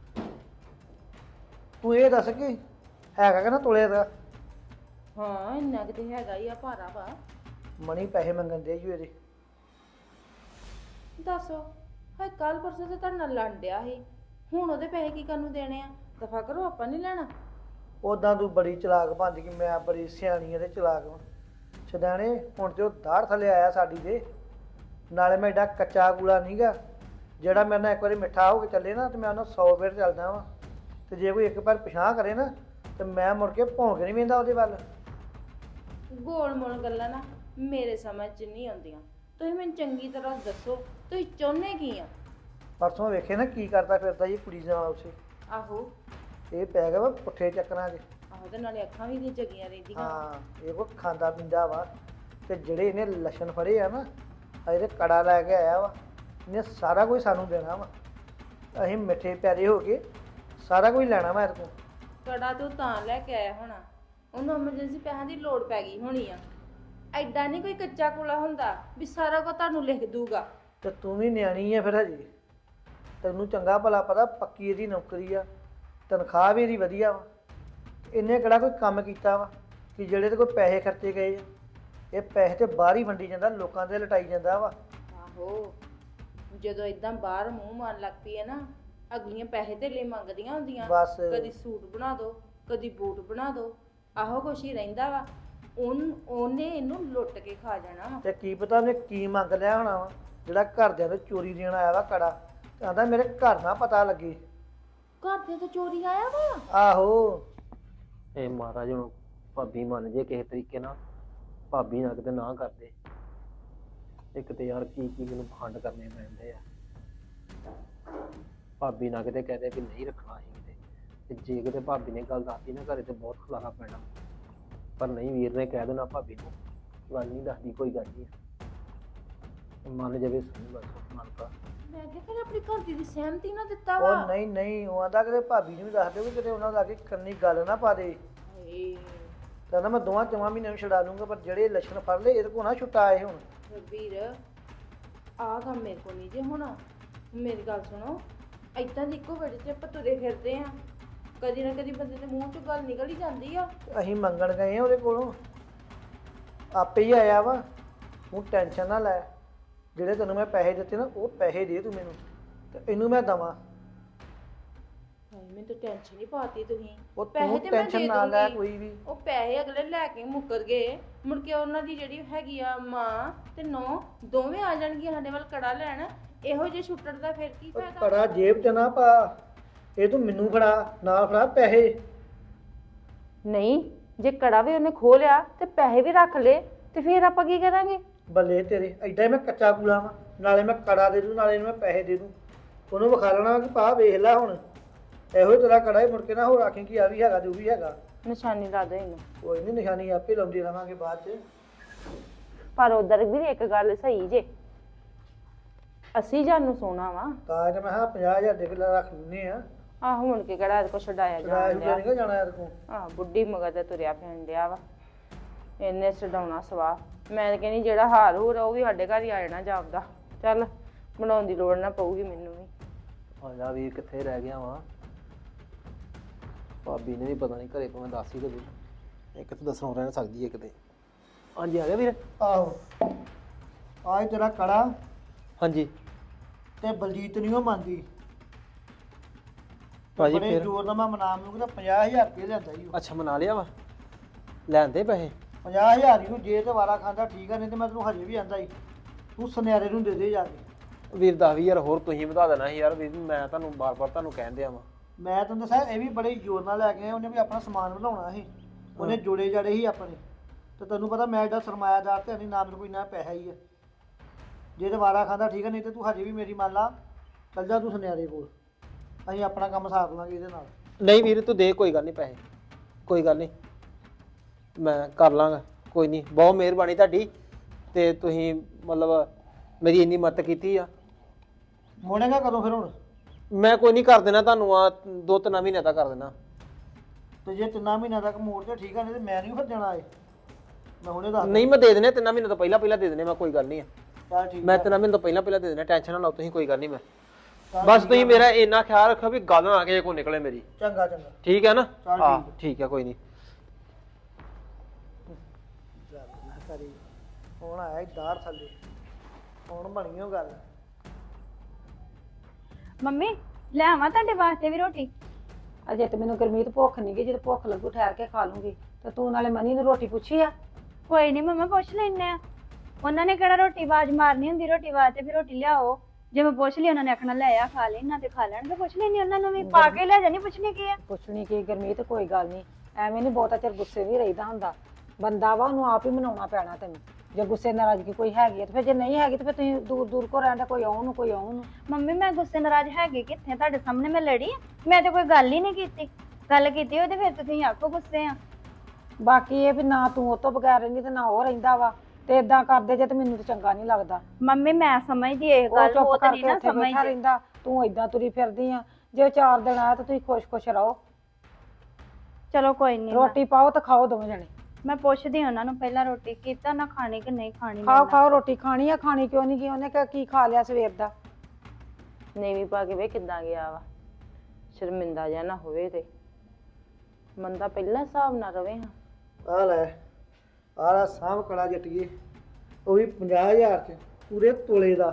A: ਤੂੰ ਇਹ ਦੱਸ ਕਿ ਹੈਗਾ ਕਿ ਨਾ ਤੋਲੇ ਦਾ?
D: ਹਾਂ ਇੰਨਾ ਕਿਤੇ ਹੈਗਾ ਹੀ ਆ, ਭਾਰਾ ਵਾ।
A: ਮਣੀ ਪੈਸੇ ਮੰਗਣ ਦੇ ਜੂ ਇਹਦੇ।
D: ਦੱਸ ਹਾਏ ਕੱਲ ਪਰਸੋਂ ਤੇ ਤੁਹਾਡੇ ਨਾਲ ਲੜ ਡਿਆ ਸੀ, ਹੁਣ ਉਹਦੇ ਪੈਸੇ ਕੀ ਕਰਨ ਨੂੰ ਦੇਣੇ ਆ? ਦਫਾ ਕਰੋ, ਆਪਾਂ ਨਹੀਂ ਲੈਣਾ।
A: ਉਦਾਂ ਤੂੰ ਬੜੀ ਚਲਾਕ ਬਣ ਗਈ, ਮੈਂ ਬੜੀ ਸਿਆਣੀ ਤੇ ਚਲਾਕ ਵਾਂ। ਛਦਾਣੇ ਹੁਣ ਤੇ ਉਹ ਦਾੜ ਥੱਲੇ ਆਇਆ ਸਾਡੀ ਦੇ। ਨਾਲੇ ਮੈਂ ਏਡਾ ਕੱਚਾ ਕੂਲਾ ਨਹੀਂਗਾ ਜਿਹੜਾ ਮੇਰੇ ਨਾਲ ਇੱਕ ਵਾਰੀ ਮਿੱਠਾ ਹੋ ਕੇ ਚੱਲੇ ਨਾ ਤੇ ਮੈਂ ਉਹਨਾਂ 100 ਵੇਰ ਚੱਲਦਾ ਵਾਂ। ਤੇ ਜੇ ਕੋਈ ਇੱਕ ਵਾਰ ਪਿਛਾਂਹ ਕਰੇ ਨਾ ਤੇ ਮੈਂ ਮੁੜ ਕੇ ਭੌਂਕ ਨਹੀਂ ਵੇਂਦਾ ਉਹਦੇ ਵੱਲ।
D: ਗੋਲ ਮੋਲ ਗੱਲਾਂ ਨਾ ਮੇਰੇ ਸਮਝ 'ਚ ਨਹੀਂ ਆਉਂਦੀਆਂ। ਤੁਸੀਂ ਮੈਨੂੰ ਚੰਗੀ ਤਰ੍ਹਾਂ ਦੱਸੋ ਤੁਸੀਂ ਚਾਹੁੰਦੇ ਕੀ ਆ?
A: ਪਰਸੋਂ ਵੇਖੇ ਨਾ ਕੀ ਕਰਦਾ ਫਿਰਦਾ ਜੀ ਕੁੜੀ ਨਾਲ ਉਸੇ।
D: ਆਹੋ
A: ਇਹ ਪੈ ਗਿਆ ਵਾ ਪੁੱਠੇ ਚੱਕਰਾਂ 'ਚ।
D: ਆਹੋ ਤੇ ਨਾਲੇ ਅੱਖਾਂ ਵੀ ਨਹੀਂ ਜਗੀਆਂ ਰਹਿੰਦੀਆਂ।
A: ਹਾਂ ਇਹ ਕੋ ਖਾਂਦਾ ਪੀਂਦਾ ਵਾ। ਤੇ ਜਿਹੜੇ ਇਹਨੇ ਲੱਛਣ ਫੜੇ ਆ ਨਾ, ਇਹਦੇ ਕੜਾ ਲੈ ਕੇ ਆਇਆ ਵਾ। ਇਹਨੇ ਸਾਰਾ ਕੁਝ ਸਾਨੂੰ ਦੇਣਾ ਵਾ। ਅਸੀਂ ਮਿੱਠੇ ਪਿਆਰੇ ਹੋ ਕੇ ਸਾਰਾ ਕੁਝ ਲੈਣਾ ਵਾ ਇਹਦੇ ਕੋਲ।
D: ਕੜਾ ਤੂੰ ਤਾਂ ਲੈ ਕੇ ਆਇਆ ਹੋਣਾ, ਉਹਨੂੰ ਐਮਰਜੈਂਸੀ ਪੈਸਿਆਂ ਦੀ ਲੋੜ ਪੈ ਗਈ ਹੋਣੀ ਆ। ਐਡਾ ਨਹੀਂ ਕੋਈ ਕੱਚਾ ਕੋਲਾ ਹੁੰਦਾ ਵੀ ਸਾਰਾ ਕੁਝ ਤੁਹਾਨੂੰ ਲਿਖ ਦੂਗਾ।
A: ਤੇ ਤੂੰ ਵੀ ਨਿਆਣੀ ਆ ਫਿਰ ਹਜੇ। ਤੈਨੂੰ ਚੰਗਾ ਭਲਾ ਪਤਾ ਪੱਕੀ ਇਹਦੀ ਨੌਕਰੀ ਆ, ਤਨਖਾਹ ਵੀ ਇਹਦੀ ਵਧੀਆ ਵਾ। ਇਹਨੇ ਕਿਹੜਾ ਕੋਈ ਕੰਮ ਕੀਤਾ ਵਾ ਕਿ ਜਿਹੜੇ ਤੇ ਕੋਈ ਪੈਸੇ ਖਰਚੇ ਗਏ ਆ। ਇਹ ਪੈਸੇ ਤੇ ਬਾਹਰ ਹੀ ਵੰਡੀ ਜਾਂਦਾ, ਲੋਕਾਂ ਦੇ ਲਟਾਈ ਜਾਂਦਾ ਵਾ।
D: ਆਹੋ ਜਦੋਂ ਇਦਾਂ ਬਾਹਰ ਮੂੰਹ ਮਾਰਨ ਲੱਗ ਪਈ ਹੈ ਨਾ, ਅਗਲੀਆਂ ਪੈਸੇ ਧੇਲੇ ਮੰਗਦੀਆਂ ਹੁੰਦੀਆਂ।
A: ਬਸ
D: ਕਦੀ ਸੂਟ ਬਣਾ ਦਿਓ, ਕਦੀ ਬੂਟ ਬਣਾ ਦਿਓ, ਆਹੋ ਕੁਛ ਹੀ ਰਹਿੰਦਾ ਵਾ। ਉਹਨੇ ਇਹਨੂੰ ਲੁੱਟ ਕੇ ਖਾ ਜਾਣਾ ਵਾ।
A: ਤੇ ਕੀ ਪਤਾ ਉਹਨੇ ਕੀ ਮੰਗ ਲਿਆ ਹੋਣਾ ਵਾ ਜਿਹੜਾ ਘਰਦਿਆਂ ਤੋਂ ਚੋਰੀ ਦੇਣ ਆਇਆ ਵਾ ਕੜਾ। ਕਹਿੰਦਾ ਮੇਰੇ ਘਰ ਨਾ ਪਤਾ ਲੱਗੇ।
D: ਘਰ ਦੇ ਤੋਂ ਚੋਰੀ ਆਇਆ ਵਾ?
A: ਆਹੋ
B: ਇਹ ਮਹਾਰਾਜ ਹੁਣ ਭਾਬੀ ਮੰਨ ਜੇ ਕਿਸੇ ਤਰੀਕੇ ਨਾਲ, ਭਾਬੀ ਨਾ ਕਿਤੇ ਨਾ ਕਰਦੇ। ਇੱਕ ਤੇ ਯਾਰ ਕੀ ਮੈਨੂੰ ਫੰਡ ਕਰਨੇ ਪੈਂਦੇ ਆ। ਭਾਬੀ ਨਾ ਕਿਤੇ ਕਹਦੇ ਵੀ ਨਹੀਂ ਰੱਖਣਾ ਅਸੀਂ ਕਿਤੇ, ਤੇ ਜੇ ਕਿਤੇ ਭਾਬੀ ਨੇ ਗੱਲ ਦੱਸਦੀ ਨਾ ਘਰੇ ਤੇ ਬਹੁਤ ਖਲਾਰਾ ਪੈਣਾ। ਪਰ ਨਹੀਂ, ਵੀਰ ਨੇ ਕਹਿ ਦੇਣਾ ਭਾਬੀ ਨੂੰ ਗੱਲ ਨਹੀਂ ਦੱਸਦੀ, ਕੋਈ ਗੱਲ ਨਹੀਂ ਮੰਨ ਜਾਵੇ ਸਹੀ। ਬਸ ਮੰਨ ਤਾ।
D: ਮੈਂ ਕਿਹਾ ਫਿਰ ਆਪਣੀ ਘਰ ਦੀ ਸਹਿਮਤੀ ਨਾ ਦਿੱਤਾ
A: ਉਹ
D: ਵਾ।
A: ਨਹੀਂ ਉਹ ਆਂਦਾ ਕਿਤੇ ਭਾਬੀ ਨੂੰ ਵੀ ਦੱਸ ਦਿਓ ਕਿ ਕਿਤੇ ਉਹਨਾਂ ਦਾ ਅੱਗੇ ਕੰਨੀ ਗੱਲ ਨਾ ਪਾ ਦੇ।
D: ਹਾਏ
A: ਕਹਿੰਦਾ ਮੈਂ 2-4 ਮਹੀਨਿਆਂ ਨੂੰ ਛਡਾ ਲੂੰਗਾ, ਪਰ ਜਿਹੜੇ ਲੱਛਣ ਫੜ ਲਏ ਇਹਦੇ ਕੋਲ ਨਾ ਛੁੱਟਾ ਆਏ ਹੁਣ।
D: ਵੀਰ ਆਹ ਕੰਮ ਮੇਰੇ ਕੋਲ ਨਹੀਂ ਜੇ ਹੋਣਾ। ਮੇਰੀ ਗੱਲ ਸੁਣੋ, ਏਦਾਂ ਦੀ ਇੱਕੋ ਵੇੜੇ 'ਚ ਆਪਾਂ ਤੁਰੇ ਫਿਰਦੇ ਆ, ਕਦੀ ਨਾ ਕਦੀ ਬੰਦੇ ਦੇ ਮੂੰਹ 'ਚੋਂ ਗੱਲ ਨਿਕਲ ਹੀ ਜਾਂਦੀ ਆ।
A: ਅਸੀਂ ਮੰਗਣ ਗਏ ਆ ਉਹਦੇ ਕੋਲੋਂ, ਆਪੇ ਹੀ ਆਇਆ ਵਾ। ਤੂੰ ਟੈਨਸ਼ਨ ਨਾ ਲੈ, ਜਿਹੜੇ ਤੈਨੂੰ ਮੈਂ ਪੈਸੇ ਦਿੱਤੇ ਨਾ ਉਹ ਪੈਸੇ ਦੇ ਤੂੰ ਮੈਨੂੰ, ਤੇ ਇਹਨੂੰ ਮੈਂ ਦਵਾਂ।
D: ਹਾਏ ਮੈਨੂੰ ਤਾਂ ਟੈਨਸ਼ਨ ਹੀ ਪਾਤੀ ਤੁਸੀਂ।
A: ਉਹ
D: ਪੈਸੇ
A: ਤੂੰ
D: ਤੇ ਮੈਂ
A: ਟੈਨਸ਼ਨ
D: ਦੇ
A: ਨਾ ਲੈ
D: ਦੂੰਗੀ।
A: ਕੋਈ ਵੀ।
D: ਉਹ ਪੈਸੇ ਅਗਲੇ ਲੈ ਕੇ ਮੁੱਕਰ ਗਏ, ਮੁੜ ਕੇ ਉਹਨਾਂ ਦੀ ਜਿਹੜੀ ਹੈਗੀ ਆ ਮਾਂ ਤੇ ਨੌ ਦੋਵੇਂ ਆ ਜਾਣਗੀਆਂ ਸਾਡੇ ਵੱਲ ਕੜਾ ਲੈਣ। ਇਹੋ ਜਿਹੇ ਛੁੱਟਣ ਦਾ ਫਿਰ ਕੀ
A: ਉਹ
D: ਫਾਇਦਾ?
A: ਕੜਾ ਜੇਬ 'ਚ ਨਾ ਪਾ, ਇਹ ਤੂੰ ਮੈਨੂੰ ਫੜਾ, ਨਾ ਫੜਾ ਪੈਸੇ।
D: ਨਹੀਂ ਜੇ ਕੜਾ ਵੀ ਉਹਨੇ ਖੋਹ ਲਿਆ ਤੇ ਪੈਸੇ ਵੀ ਰੱਖ ਲਏ ਤੇ ਫਿਰ ਆਪਾਂ ਕੀ ਕਰਾਂਗੇ?
A: ਬੱਲੇ ਤੇਰੇ, ਐਡਾ ਹੀ ਮੈਂ ਕੱਚਾ ਕੂਲਾ ਵਾਂ। ਨਾਲੇ ਮੈਂ ਕੜਾ ਦੇ ਦੂੰ, ਨਾਲੇ ਇਹਨੂੰ ਮੈਂ ਪੈਸੇ ਦੇ ਦੂੰ। ਉਹਨੂੰ ਵਿਖਾ ਲੈਣਾ ਕਿ ਪਾ ਵੇਖ ਲੈ ਹੁਣ, ਇਹੋ ਹੀ ਤੇਰਾ ਕੜਾ ਹੀ। ਮੁੜ ਕੇ ਨਾ ਹੋਰ ਆਖੀ ਕਿ ਆ ਵੀ ਹੈਗਾ ਤੇ ਉਹ ਵੀ ਹੈਗਾ।
D: ਨਿਸ਼ਾਨੀ ਲਾ ਦੋ ਇਹਨੂੰ।
A: ਕੋਈ ਨਹੀਂ, ਨਿਸ਼ਾਨੀ ਆਪੇ ਲਾਉਂਦੇ ਰਵਾਂਗੇ ਬਾਅਦ 'ਚ।
D: ਪਰ ਉਧਰ ਵੀ ਇੱਕ ਗੱਲ ਸਹੀ ਜੇ, ਅਸੀਂ ਜਾਨੂੰ ਸੋਨਾ ਵਾ।
A: ਤਾਂ ਤੇ ਮੈਂ ਕਿਹਾ 50,000 ਦੇ ਕੇ ਰੱਖ ਲੈਂਦੇ ਆ।
D: ਆਹੋ ਮੁੜ ਕੇ ਕਿਹੜਾ ਇਹਦੇ ਕੋ ਛਡਾਇਆ
A: ਕਿਰਾਇਆ
D: ਜਾਣ ਡਿਆ।
A: ਨਹੀਂ ਜਾਣਾ ਇਹਦੇ ਕੋਲ।
D: ਆਹ ਬੁੱਢੀ ਮਗਰ ਤੇ ਤੁਰਿਆ ਫਿਰਨ ਡਿਆ ਵਾ, ਇਹਨੇ ਛਡਾਉਣਾ ਸਵਾ। ਮੈਂ ਤਾਂ ਕਹਿੰਦੀ ਜਿਹੜਾ ਹਾਰ ਹੂਰ ਆ ਉਹ ਵੀ ਸਾਡੇ ਘਰ ਹੀ ਆ ਜਾਣਾ ਜਾਪਦਾ। ਚੱਲ ਬਣਾਉਣ ਦੀ ਲੋੜ ਨਾ ਪਊਗੀ ਮੈਨੂੰ ਵੀ।
B: ਆ ਜਾ ਵੀਰ, ਕਿੱਥੇ ਰਹਿ ਗਿਆ ਵਾ? ਭਾਬੀ ਨੇ ਵੀ ਪਤਾ ਨਹੀਂ ਘਰੇ ਭਾਵੇਂ ਦੱਸ ਹੀ ਦੇਵੇ। ਇੱਕ ਤਾਂ ਦੱਸਣੋਂ ਰਹਿ ਸਕਦੀ ਹੈ ਕਿਤੇ। ਹਾਂਜੀ ਆ ਗਿਆ ਵੀਰ।
A: ਆਹੋ ਆਹ ਤੇਰਾ ਕੜਾ
B: ਹਾਂਜੀ
A: ਤੇ ਬਲਜੀਤ ਨਹੀਂ ਉਹ ਮੰਨਦੀ।
B: ਭਾਜੀ
A: ਬੜੇ
B: ਫਿਰ
A: ਜ਼ੋਰ ਨਾਲ ਮੈਂ ਮਨਾਮ ਨੂੰ ਕਹਿੰਦਾ 50000 ਰੁਪਏ ਲਿਆਂਦਾ ਹੀ ਉਹ।
B: ਅੱਛਾ ਮਨਾ ਲਿਆ ਵਾ, ਲੈਂਦੇ ਪੈਸੇ?
A: 50000 ਹੀ ਉਹ, ਜੇ ਤੇ ਵਾਰਾ ਖਾਂਦਾ ਠੀਕ ਆ, ਨਹੀਂ ਤੇ ਮੈਂ ਤੈਨੂੰ ਹਜੇ ਵੀ ਆਂਦਾ ਹੀ ਤੂੰ ਸੁਨਿਆਰੇ ਨੂੰ ਦੇ ਦੇ ਜਾ ਕੇ।
B: ਵੀਰ 10,000 ਹੋਰ ਤੁਸੀਂ ਵਧਾ ਦੇਣਾ ਸੀ ਯਾਰ ਵੀਰ, ਮੈਂ ਤੁਹਾਨੂੰ ਬਾਰ-ਬਾਰ ਤੁਹਾਨੂੰ ਕਹਿਣ ਦਿਆ ਵਾਂ।
A: ਮੈਂ ਤੈਨੂੰ ਦੱਸਿਆ ਇਹ ਵੀ ਬੜੇ ਜ਼ੋਰ ਨਾਲ ਲੈ ਕੇ ਆਇਆ, ਉਹਨੇ ਵੀ ਆਪਣਾ ਸਮਾਨ ਵਧਾਉਣਾ ਸੀ, ਉਹਨੇ ਜੋੜੇ ਜਾੜੇ ਸੀ ਆਪਣੇ, ਤੇ ਤੈਨੂੰ ਪਤਾ ਮੈਂ ਐਡਾ ਸਰਮਾਇਆਦਾਰ ਤੇ ਨਹੀਂ, ਨਾ ਮੇਰੇ ਕੋਈ ਨਾ ਪੈਸਾ ਹੀ ਆ। ਜੇ ਤੇ ਵਾਰਾ ਖਾਂਦਾ ਠੀਕ ਆ, ਨਹੀਂ ਤੇ ਤੂੰ ਹਜੇ ਵੀ ਮੇਰੀ ਮੰਨ ਲਾ, ਚੱਲ ਜਾ ਤੂੰ ਸੁਨਿਆਰੇ ਕੋਲ, ਅਸੀਂ ਆਪਣਾ ਕੰਮ ਸਾਰ ਲਾਂਗੇ ਇਹਦੇ ਨਾਲ।
B: ਨਹੀਂ ਵੀਰ ਤੂੰ ਦੇ, ਕੋਈ ਗੱਲ ਨਹੀਂ ਪੈਸੇ, ਕੋਈ ਗੱਲ ਨਹੀਂ ਮੈਂ ਕਰ ਲਾਂਗਾ, ਕੋਈ ਨਹੀਂ। ਬਹੁਤ ਮਿਹਰਬਾਨੀ ਤੁਹਾਡੀ, ਤੇ ਤੁਸੀਂ ਮਤਲਬ ਮੇਰੀ ਇੰਨੀ ਮਦਦ ਕੀਤੀ ਆ।
A: ਮੋੜੇਗਾ ਕਦੋਂ ਫਿਰ ਹੁਣ?
B: ਮੈਂ ਕੋਈ ਨਹੀਂ ਕਰ ਦੇਣਾ ਤੁਹਾਨੂੰ, ਆ 2-3 ਮਹੀਨੇ ਤੱਕ ਕਰ ਦੇਣਾ।
A: ਤੇ ਜੇ 3 ਮਹੀਨਿਆਂ ਤੱਕ ਮੋੜ ਤੇ ਠੀਕ ਆ, ਨਹੀਂ ਤੇ ਮੈਂ ਨਹੀਂ ਫਿਰ ਜਾਣਾ ਏ, ਮੈਂ ਹੁਣੇ ਦੱਸ।
B: ਨਹੀਂ ਮੈਂ ਦੇ ਦੇਣੇ 3 ਮਹੀਨੇ ਤੋਂ ਪਹਿਲਾਂ ਦੇ ਦੇਣੇ ਮੈਂ, ਕੋਈ ਗੱਲ ਨਹੀਂ।
A: ਚੱਲ ਠੀਕ
B: ਮੈਂ 3 ਮਹੀਨੇ ਤੋਂ ਪਹਿਲਾਂ ਦੇ ਦੇਣੇ, ਟੈਨਸ਼ਨ ਨਾ ਲਓ ਤੁਸੀਂ, ਕੋਈ ਗੱਲ ਨਹੀਂ। ਮੈਂ
A: ਚੱਲ
B: ਬਸ
A: ਠੀਕ
B: ਤੁਸੀਂ
A: ਆ।
B: ਮੇਰਾ ਇੰਨਾ ਖਿਆਲ ਰੱਖੋ ਵੀ ਗੱਲ ਨਾ ਕਿਸੇ ਕੋ ਨਿਕਲੇ ਮੇਰੀ।
A: ਚੰਗਾ ਚੰਗਾ
B: ਠੀਕ ਹੈ ਨਾ?
A: ਚੱਲ
B: ਹਾਂ
A: ਠੀਕ
B: ਠੀਕ ਹੈ, ਕੋਈ ਨਹੀਂ।
A: ਕਰੀ ਹੁਣ ਆਇਆ ਦਾੜ ਥੱਲੇ, ਹੁਣ ਬਣੀ ਉਹ ਗੱਲ।
E: ਮੰਮੀ ਲੈ ਆਵਾਂ ਤੁਹਾਡੇ ਵਾਸਤੇ ਵੀ ਰੋਟੀ?
C: ਅਜੇ ਤੇ ਮੈਨੂੰ ਗੁਰਮੀਤ ਭੁੱਖ ਨਹੀਂ ਗਈ, ਜਦੋਂ ਭੁੱਖ ਲੱਗੂ ਠਹਿਰ ਕੇ ਖਾ ਲੂੰਗੀ। ਤੇ ਤੂੰ ਨਾਲੇ ਮਨੀ ਨੂੰ ਰੋਟੀ ਪੁੱਛੀ ਆ?
E: ਕੋਈ ਨਹੀਂ ਮੰਮਾ, ਪੁੱਛ ਲੈਨੇ ਆ। ਉਹਨਾਂ ਨੇ ਕਿਹੜਾ ਰੋਟੀ ਆਵਾਜ਼ ਮਾਰਨੀ ਹੁੰਦੀ ਰੋਟੀ ਵਾਸਤੇ ਵੀ ਰੋਟੀ ਲਿਆਓ? ਜੇ ਮੈਂ ਪੁੱਛ ਲਈ ਉਹਨਾਂ ਨੇ ਆਖਣਾ ਲੈ ਆ ਖਾ ਲੈ, ਇਹਨਾਂ ਤੇ ਖਾ ਲੈਣ ਤੇ ਪੁੱਛ ਲੈਣੀ ਉਹਨਾਂ ਨੂੰ ਵੀ, ਪਾ ਕੇ ਲੈ ਜਾਣੀ, ਪੁੱਛਣੀ ਕੀ ਆ?
C: ਪੁੱਛਣੀ ਕੀ ਗੁਰਮੀਤ, ਕੋਈ ਗੱਲ ਨਹੀਂ, ਐਵੇਂ ਨਹੀਂ ਬਹੁਤਾ ਚਿਰ ਗੁੱਸੇ ਵੀ ਰਹੀਦਾ ਹੁੰਦਾ, ਬੰਦਾ ਵਾ ਉਹਨੂੰ ਆਪ ਹੀ ਮਨਾਉਣਾ ਪੈਣਾ ਤੈਨੂੰ। ਜੇ ਗੁੱਸੇ ਨਾਰਾਜ਼ਗੀ ਕੋਈ ਹੈਗੀ ਹੈ ਤੇ ਫਿਰ, ਜੇ ਨਹੀਂ ਹੈਗੀ ਤੇ ਫਿਰ ਤੁਸੀਂ ਦੂਰ ਦੂਰ ਕੋ ਰਹਿੰਦਾ, ਕੋਈ ਆਉਣ ਨੂੰ ਕੋਈ ਆਉਣ ਨੂੰ।
E: ਮੰਮੀ ਮੈਂ ਗੁੱਸੇ ਨਾਰਾਜ਼ ਹੈਗੀ ਕਿੱਥੇ? ਤੁਹਾਡੇ ਸਾਹਮਣੇ ਮੈਂ ਲੜੀ ਆ? ਮੈਂ ਤੇ ਕੋਈ ਗੱਲ ਹੀ ਨਹੀਂ ਕੀਤੀ। ਗੱਲ ਕੀਤੀ ਹੋਵੇ ਤੇ ਫਿਰ ਤੁਸੀਂ ਆਖੋ ਗੁੱਸੇ ਆ।
C: ਬਾਕੀ ਇਹ ਵੀ ਨਾ ਤੂੰ ਉਹ ਤੋਂ ਬਗੈਰ ਰਹਿੰਦੀ ਤੇ ਨਾ ਉਹ ਰਹਿੰਦਾ ਵਾ, ਤੇ ਇਦਾਂ ਕਰਦੇ ਜੇ ਤੇ ਮੈਨੂੰ ਤੇ ਚੰਗਾ ਨਹੀਂ ਲੱਗਦਾ।
E: ਮੰਮੀ ਮੈਂ ਸਮਝਦੀ ਇਹ
C: ਉਹ
E: ਗੱਲ,
C: ਚੁੱਪ
E: ਉਹ ਤਾਂ ਨਹੀਂ
C: ਕਰਕੇ
E: ਨਾ
C: ਉੱਥੇ ਬੈਠਾ
E: ਸਮਝਦੀ।
C: ਰਹਿੰਦਾ, ਤੂੰ ਏਦਾਂ ਤੁਰੀ ਫਿਰਦੀ ਆ। ਜੇ 4 ਦਿਨ ਆਇਆ ਤਾਂ ਤੁਸੀਂ ਖੁਸ਼ ਰਹੋ।
E: ਚਲੋ ਕੋਈ ਨਹੀਂ,
C: ਰੋਟੀ ਪਾਓ ਤੇ ਖਾਓ ਦੋਵੇਂ ਜਣੇ।
E: ਮੈਂ ਪੁੱਛਦੀ ਉਹਨਾਂ ਨੂੰ ਪਹਿਲਾਂ ਰੋਟੀ ਕੀਤਾ ਨਾ ਖਾਣੀ ਕਿ ਨਹੀਂ ਖਾਣੀ।
C: ਖਾਓ ਰੋਟੀ ਖਾਣੀ ਆ, ਖਾਣੀ ਕਿਉਂ ਨਹੀਂ ਗਈ? ਉਹਨੇ ਕੀ ਖਾ ਲਿਆ ਸਵੇਰ ਦਾ?
D: ਨੀਵੀਂ ਪਾ ਕੇ ਵੇ ਕਿੱਦਾਂ ਗਿਆ ਵਾ, ਸ਼ਰਮਿੰਦਾ ਜਿਹਾ ਨਾ ਹੋਵੇ ਤੇ ਬੰਦਾ ਪਹਿਲਾਂ ਹਿਸਾਬ ਨਾਲ ਰਵੇ। ਹਾਂ
A: ਆ ਲੈ ਆਹ ਸਾਂਭ ਕੜਾ ਜੱਟੀਏ, ਉਹ ਵੀ 50,000 ਚ ਪੂਰੇ ਤੋਲੇ ਦਾ।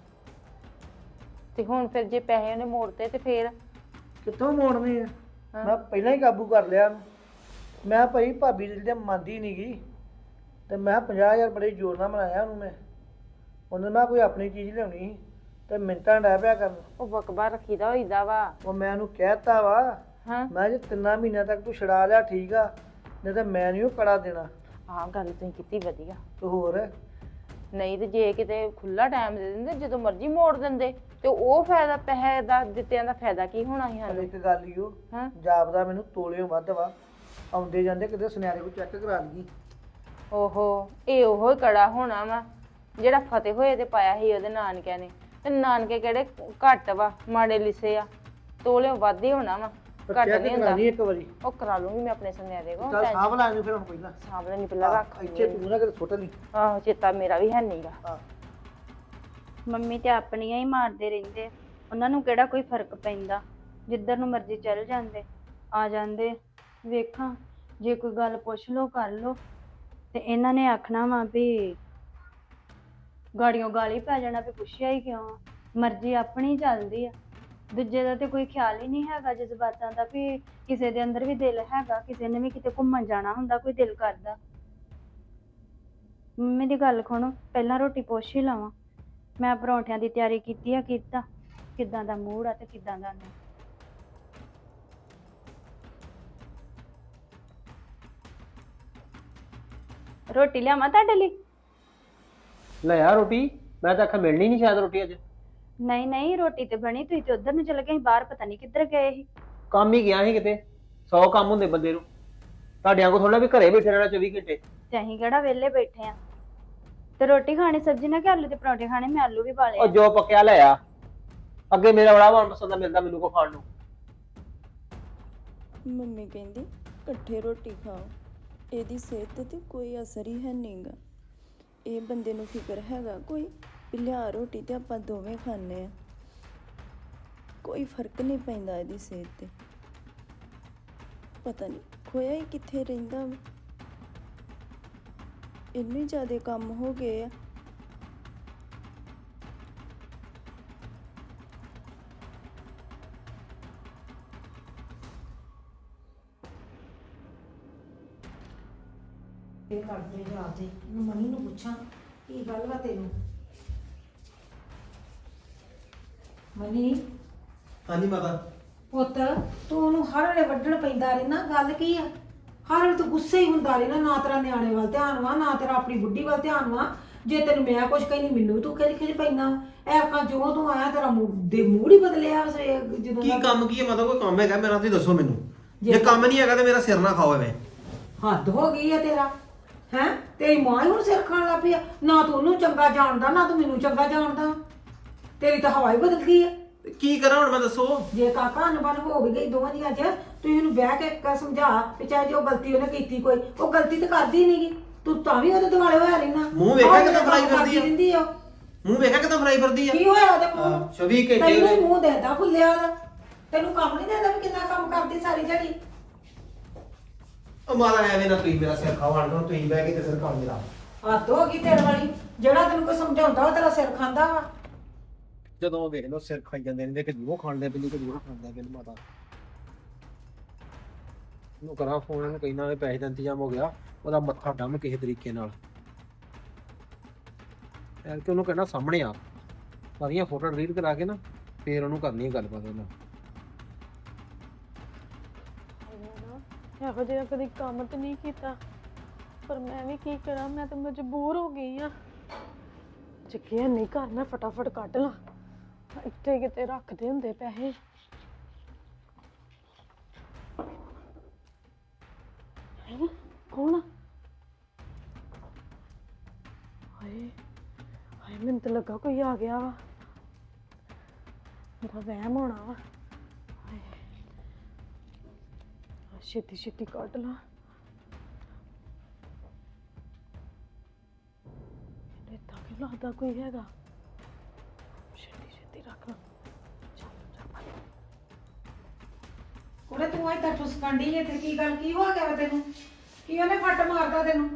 D: ਤੇ ਹੁਣ ਫਿਰ ਜੇ ਪੈਸੇ ਉਹਨੇ ਮੋੜਤੇ ਤੇ ਫਿਰ
A: ਕਿੱਥੋਂ ਮੋੜਨੇ ਆ? ਮੈਂ ਪਹਿਲਾਂ ਹੀ ਕਾਬੂ ਕਰ ਲਿਆ ਉਹਨੂੰ। ਮੈਂ ਭਾਈ ਭਾਬੀ ਜਿਹੜੀ ਮੰਨਦੀ ਨਹੀਂ ਗਈ, ਤੇ ਮੈਂ 50,000 ਬੜੇ ਜ਼ੋਰ ਨਾਲ ਮਨਾਇਆ ਉਹਨੂੰ। ਉਹਨੇ ਮੈਂ ਕੋਈ ਆਪਣੀ ਚੀਜ਼ ਲਿਆਉਣੀ ਸੀ ਤੇ ਮਿੰਟਾਂ ਡੈ ਪਿਆ ਕਰਨ।
D: ਉਹ ਬਕਬਾ ਰੱਖੀਦਾ ਹੋਈਦਾ ਵਾ।
A: ਉਹ ਮੈਂ ਉਹਨੂੰ ਕਹਿਤਾ ਵਾ,
D: ਹਾਂ
A: ਮੈਂ ਜੇ 3 ਮਹੀਨਿਆਂ ਤੱਕ ਤੂੰ ਛਡਾ ਲਿਆ ਠੀਕ ਆ, ਨਹੀਂ ਤਾਂ ਮੈਂ ਨਹੀਂ ਉਹ ਕੜਾ ਦੇਣਾ।
D: ਆਹ ਗੱਲ ਤੁਸੀਂ ਕੀਤੀ ਵਧੀਆ।
A: ਤੇ ਹੋਰ
D: ਨਹੀਂ ਤੇ ਜੇ ਕਿਤੇ ਖੁੱਲਾ ਟਾਈਮ ਦੇ ਦਿੰਦੇ, ਜਦੋਂ ਮਰਜ਼ੀ ਮੋੜ ਦਿੰਦੇ, ਤੇ ਉਹ ਫਾਇਦਾ, ਪੈਸੇ ਦਾ ਦਿੱਤਿਆਂ ਦਾ ਫਾਇਦਾ ਕੀ ਹੋਣਾ ਸੀ
A: ਪਰ
D: ਸਾਨੂੰ?
A: ਇੱਕ ਗੱਲ ਹੀ ਉਹ
D: ਹਾਂ
A: ਜਾਪਦਾ ਮੈਨੂੰ ਤੋਲਿਓ ਵੱਧ ਵਾ। ਆਉਂਦੇ ਜਾਂਦੇ ਕਿਤੇ ਸੁਨਿਆਰੇ ਕੋਲ ਚੈੱਕ ਕਰਾ ਲਈਏ।
D: ਓਹੋ, ਇਹ ਉਹੋ ਹੀ ਕੜਾ ਹੋਣਾ ਵਾ ਜਿਹੜਾ ਫਤਿਹ ਹੋਏ ਤੇ ਪਾਇਆ ਸੀ ਉਹਦੇ ਨਾਨਕਿਆਂ ਨੇ। ਤੇ ਨਾਨਕੇ ਕਿਹੜੇ ਘੱਟ ਵਾ, ਮਾੜੇ ਲਿਸੇ ਆ, ਤੋਲਿਓ ਵੱਧ ਹੀ ਹੋਣਾ ਵਾ, ਘੱਟ
A: ਚੈੱਕ
D: ਨਹੀਂ
A: ਕਰਾ
D: ਹੁੰਦਾ।
A: ਲਈ ਇੱਕ ਵਾਰੀ।
D: ਉਹ ਕਰਾ ਲੂੰਗੀ ਮੈਂ ਆਪਣੇ ਸੁਨਿਆਰੇ ਕੋਲ।
A: ਚੱਲ ਸਾਂਭ ਲਾ ਇਹਨੂੰ ਫਿਰ ਹੁਣ ਪਹਿਲਾਂ।
D: ਸਾਹਮਣੇ ਨਹੀਂ ਪਹਿਲਾਂ ਰੱਖ
A: ਇੱਥੇ ਤੂੰ ਨਾ ਕਿਤੇ ਸੁੱਟ ਲਈ।
D: ਆਹੋ, ਚੇਤਾ ਮੇਰਾ ਵੀ ਹੈ ਨਹੀਂਗਾ।
A: ਹਾਂ
E: ਮੰਮੀ ਤੇ ਆਪਣੀਆਂ ਹੀ ਮਾਰਦੇ ਰਹਿੰਦੇ ਆ, ਉਹਨਾਂ ਨੂੰ ਕਿਹੜਾ ਕੋਈ ਫਰਕ ਪੈਂਦਾ? ਜਿੱਧਰ ਨੂੰ ਮਰਜ਼ੀ ਚੱਲ ਜਾਂਦੇ ਆ ਜਾਂਦੇ। ਵੇਖਾਂ ਜੇ ਕੋਈ ਗੱਲ ਪੁੱਛ ਲੋ ਕਰ ਲੋ ਤੇ ਇਹਨਾਂ ਨੇ ਆਖਣਾ ਵਾ ਵੀ ਗਾੜੀਆਂ ਗਾਲੀ ਪੈ ਜਾਣਾ ਵੀ ਪੁੱਛਿਆ ਹੀ ਕਿਉਂ ਆ? ਮਰਜ਼ੀ ਆਪਣੀ ਚੱਲਦੀ ਆ, ਦੂਜੇ ਦਾ ਤੇ ਕੋਈ ਖਿਆਲ ਹੀ ਨਹੀਂ ਹੈਗਾ ਜਜ਼ਬਾਤਾਂ ਦਾ, ਵੀ ਕਿਸੇ ਦੇ ਅੰਦਰ ਵੀ ਦਿਲ ਹੈਗਾ, ਕਿਸੇ ਨੇ ਵੀ ਕਿਤੇ ਘੁੰਮਣ ਜਾਣਾ ਹੁੰਦਾ, ਕੋਈ ਦਿਲ ਕਰਦਾ। ਮੰਮੀ ਦੀ ਗੱਲ ਸੁਣੋ, ਪਹਿਲਾਂ ਰੋਟੀ ਪੁੱਛ ਹੀ ਲਵਾਂ। ਮੈਂ ਪਰੌਂਠਿਆਂ ਦੀ ਤਿਆਰੀ ਕੀਤੀ ਆ, ਕੀਤਾ ਕਿੱਦਾਂ ਦਾ ਮੂਡ ਆ ਤੇ ਕਿੱਦਾਂ ਦਾ ਨਹੀਂ। ਰੋਟੀ ਲਿਆਵਾਂ ਤੁਹਾਡੇ ਲਈ?
B: ਲੈ ਆ ਰੋਟੀ, ਮੈਂ ਤਾਂ ਆਖਿਆ ਮਿਲਣੀ ਨਹੀਂ ਸ਼ਾਇਦ ਰੋਟੀ ਅੱਜ।
E: ਨਹੀਂ ਨਹੀਂ, ਰੋਟੀ ਤੇ ਬਣੀ, ਤੁਸੀਂ ਤੇ ਉਧਰ ਨੂੰ ਚਲੇ ਗਏ ਸੀ, ਬਾਹਰ ਪਤਾ ਨਹੀਂ ਕਿੱਧਰ ਗਏ ਸੀ।
B: ਕੰਮ ਹੀ ਗਿਆ ਸੀ ਕਿਤੇ, 100 ਕੰਮ ਹੁੰਦੇ ਬੰਦੇ ਨੂੰ। ਤੁਹਾਡਿਆਂ ਕੋ ਥੋੜਾ ਵੀ ਘਰੇ ਬੈਠੇ ਰਹਿਣਾ 24 ਘੰਟੇ।
E: ਤੇ ਅਸੀਂ ਕਿਹੜਾ ਵਿਹਲੇ ਬੈਠੇ ਆ? ਤੇ ਰੋਟੀ ਖਾਣੀ ਸਬਜ਼ੀ ਨਾਲ ਕਿ ਆਲੂ ਦੇ ਪਰੌਂਠੇ ਖਾਣੇ? ਮੈਂ ਆਲੂ ਵੀ ਪਾ ਲਏ
B: ਉਹ
E: ਆ।
B: ਜੋ ਪੱਕਿਆ ਲੈ ਆ, ਅੱਗੇ ਮੇਰਾ ਬੜਾ ਮਨਪਸੰਦ ਦਾ ਮਿਲਦਾ ਮੈਨੂੰ ਕੋ ਖਾਣ ਨੂੰ।
F: ਮੰਮੀ ਕਹਿੰਦੀ ਇਕੱਠੇ ਰੋਟੀ ਖਾਓ, ਇਹਦੀ ਸਿਹਤ ਤੇ ਕੋਈ ਅਸਰ ਹੀ ਹੈ ਨਹੀਂਗਾ। ਇਹ ਬੰਦੇ ਨੂੰ ਫਿਕਰ ਹੈਗਾ ਕੋਈ ਵੀ ਲਿਆ ਰੋਟੀ ਤੇ ਆਪਾਂ ਦੋਵੇਂ ਖਾਂਦੇ ਆ, ਕੋਈ ਫਰਕ ਨਹੀਂ ਪੈਂਦਾ ਇਹਦੀ ਸਿਹਤ ਤੇ। ਪਤਾ ਨਹੀਂ ਖੋਇਆ ਹੀ ਕਿੱਥੇ ਰਹਿੰਦਾ ਵਾ। ਇੰਨੇ ਜ਼ਿਆਦਾ ਕੰਮ ਹੋ ਗਏ ਆ।
C: ਇਹ ਕਰਦੇ ਜਾ ਤੇ ਮਨੀ ਨੂੰ ਪੁੱਛਾਂ ਕੀ ਗੱਲ ਵਾ ਤੈਨੂੰ। ਮਨੀ
B: ਹਾਂਜੀ ਮਾਤਾ।
C: ਪੁੱਤ ਤੂੰ ਉਹਨੂੰ ਹਰ ਵੇਲੇ ਵੱਢਣ ਪੈਂਦਾ ਰਹਿਣਾ, ਗੱਲ ਕੀ ਆ? ਹਰ ਵੇਲੇ ਤੂੰ ਗੁੱਸੇ ਹੀ ਹੁੰਦਾ ਰਹਿਣਾ, ਨਾ ਤੇਰਾ ਨਿਆਣੇ ਵੱਲ ਧਿਆਨ ਵਾ ਨਾ ਤੇਰਾ ਆਪਣੀ ਬੁੱਢੀ ਵੱਲ ਧਿਆਨ ਵਾ। ਜੇ ਤੈਨੂੰ ਮੈਂ ਕੁਝ ਕਹਿੰਦੀ ਮੈਨੂੰ ਤੂੰ ਖਿਜ ਪੈਂਦਾ। ਐਰਕਾਂ ਜੋ ਤੂੰ ਆਇਆ ਤੇਰਾ ਮੂਡ ਹੀ ਬਦਲਿਆ ਜਦੋਂ
B: ਕੀ
C: ਦਾ-
B: ਕੰਮ ਕੀ ਹੈ ਮਾਤਾ? ਕੋਈ ਕੰਮ ਹੈਗਾ ਮੇਰਾ ਤੁਸੀਂ ਦੱਸੋ ਮੈਨੂੰ।
C: ਜੇ
B: ਜੇ ਕੰਮ ਨਹੀਂ ਹੈਗਾ ਤੇ ਮੇਰਾ ਸਿਰ ਨਾ ਖਾਓ ਐਵੇਂ।
C: ਹੱਦ ਹੋ ਗਈ ਆ ਤੇਰਾ। ਹੈ ਤੇਰੀ ਮਾਂ ਹੀ ਹੁਣ ਸਿਰ ਖਾਣ ਲੱਗ ਪਈ ਆ। ਨਾ ਤੂੰ ਉਹਨੂੰ ਚੰਗਾ ਜਾਣਦਾ ਨਾ ਤੂੰ ਮੈਨੂੰ ਚੰਗਾ ਜਾਣਦਾ। ਤੇਰੀ ਤਾਂ ਹਵਾ ਹੀ ਬਦਲ ਗਈ ਆ।
B: ਤੇ ਕੀ ਕਰਾਂ ਹੁਣ ਮੈਂ ਦੱਸੋ?
C: ਜੇ ਕਾਕਾ ਅਨਬਨ ਹੋ ਵੀ ਗਈ ਦੋਵਾਂ ਦੀਆਂ 'ਚ, ਤੂੰ ਇਹਨੂੰ ਬਹਿ ਕੇ ਇੱਕ ਸਮਝਾ ਵੀ ਚਾਹੇ ਜੋ ਗਲਤੀ ਉਹਨੇ ਕੀਤੀ ਕੋਈ, ਉਹ ਗਲਤੀ ਤਾਂ ਕਰਦੀ ਨਹੀਂਗੀ, ਤੂੰ ਤਾਂ ਵੀ ਉਹਦੇ ਦੁਆਲੇ ਹੋਇਆ ਰਹਿਣਾ।
B: ਮੂੰਹ ਵੇਖਿਆ ਕਿੱਦਾਂ ਫਰਾਈ ਕਰਦੀ ਆ?
C: ਰਹਿੰਦੀ ਆ।
B: ਮੂੰਹ ਵੇਖਿਆ ਕਿਦਾਂ ਫਰਾਈ ਕਰਦੀ ਆ?
C: ਕੀ ਹੋਇਆ ਉਹਦੇ ਮੂੰਹ ਨੂੰ?
B: 24 ਘੰਟੇ
C: ਤੈਨੂੰ ਹੀ ਮੂੰਹ ਦੇਦਾ ਫੁੱਲਿਆ ਉਹਦਾ। ਤੈਨੂੰ ਕੰਮ ਨਹੀਂ ਦੇਦਾ ਵੀ ਕਿੰਨਾ ਕੰਮ ਕਰਦੀ ਸਾਰੀ ਦਿਹਾੜੀ।
B: ਉਹ ਮਾਤਾ ਐਵੇਂ ਨਾ ਤੁਸੀਂ ਮੇਰਾ ਸਿਰ ਖਾਓ ਆਣ ਤੁਸੀਂ ਬਹਿ ਕੇ ਤੇ ਸਿਰ ਖਾਓ ਮੇਰਾ।
C: ਹੱਦ ਹੋ ਗਈ ਤੇਰੇ ਵਾਲੀ। ਜਿਹੜਾ ਤੈਨੂੰ ਕੋਈ ਸਮਝਾਉਂਦਾ ਉਹ ਤੇਰਾ ਸਿਰ ਖਾਂਦਾ ਵਾ।
B: ਜਦੋਂ ਉਹ ਵੇਖ ਲਓ ਸਿਰ ਖਾਈ ਜਾਂਦੇ ਨੇ ਕਿ ਉਹ ਖਾਣ ਦੇ ਬਿੱਲੀ ਕਿ ਉਹ ਖਾਂਦਾ ਬਿੱਲ ਮਾਤਾ ਨੂੰ ਕਰਾਂ ਫੋਨ ਇਹਨੂੰ ਕਹਿਣਾ ਵੀ ਪੈਸੇ ਦਾ ਇੰਤਜ਼ਾਮ ਹੋ ਗਿਆ, ਉਹਦਾ ਮੱਥਾ ਡੰਮ ਕਿਸੇ ਤਰੀਕੇ ਨਾਲ ਯਾਰ ਕਿ ਉਹਨੂੰ ਕਹਿਣਾ ਸਾਹਮਣੇ ਆ ਸਾਰੀਆਂ ਫੋਟੋ ਡਿਲੀਟ ਕਰਾ ਕੇ ਨਾ ਫੇਰ ਉਹਨੂੰ ਕਰਨੀ ਹੈ ਗੱਲਬਾਤ ਉਹਨਾਂ।
G: ਇਹੋ ਜਿਹਾ ਕਦੀ ਕੰਮ ਤੇ ਨਹੀਂ ਕੀਤਾ, ਪਰ ਮੈਂ ਵੀ ਕੀ ਕਰਾਂ, ਮੈਂ ਤਾਂ ਮਜਬੂਰ ਹੋ ਗਈ ਆ। ਚੱਕਿਆ ਨਹੀਂ ਘਰ, ਮੈਂ ਫਟਾਫਟ ਕੱਢ ਲਾਂ। ਇੱਥੇ ਕਿਤੇ ਰੱਖਦੇ ਹੁੰਦੇ ਪੈਸੇ। ਹੈਂ? ਕੌਣ? ਹਾਏ ਹਾਏ, ਮੈਨੂੰ ਤਾਂ ਲੱਗਾ ਕੋਈ ਆ ਗਿਆ ਵਾ। ਮੇਰਾ ਵਹਿਮ ਹੋਣਾ ਵਾ। ਹਾਏ ਛੇਤੀ ਛੇਤੀ ਕੱਢ ਲਾ। ਏਦਾਂ ਕਿਉਂ ਲੱਗਦਾ ਕੋਈ ਹੈਗਾ? ਛੇਤੀ ਛੇਤੀ ਰੱਖ ਲਾ।
C: ਕੁੜੇ ਤੂੰ ਇੱਥੇ ਠੁਸਕਣ ਡਈ ਏ ਤੇ ਕੀ ਗੱਲ ਕੀ ਹੋ ਗਿਆ ਵਾ ਤੈਨੂੰ? ਕੀ ਉਹਨੇ ਫੱਟ ਮਾਰਦਾ ਤੈਨੂੰ?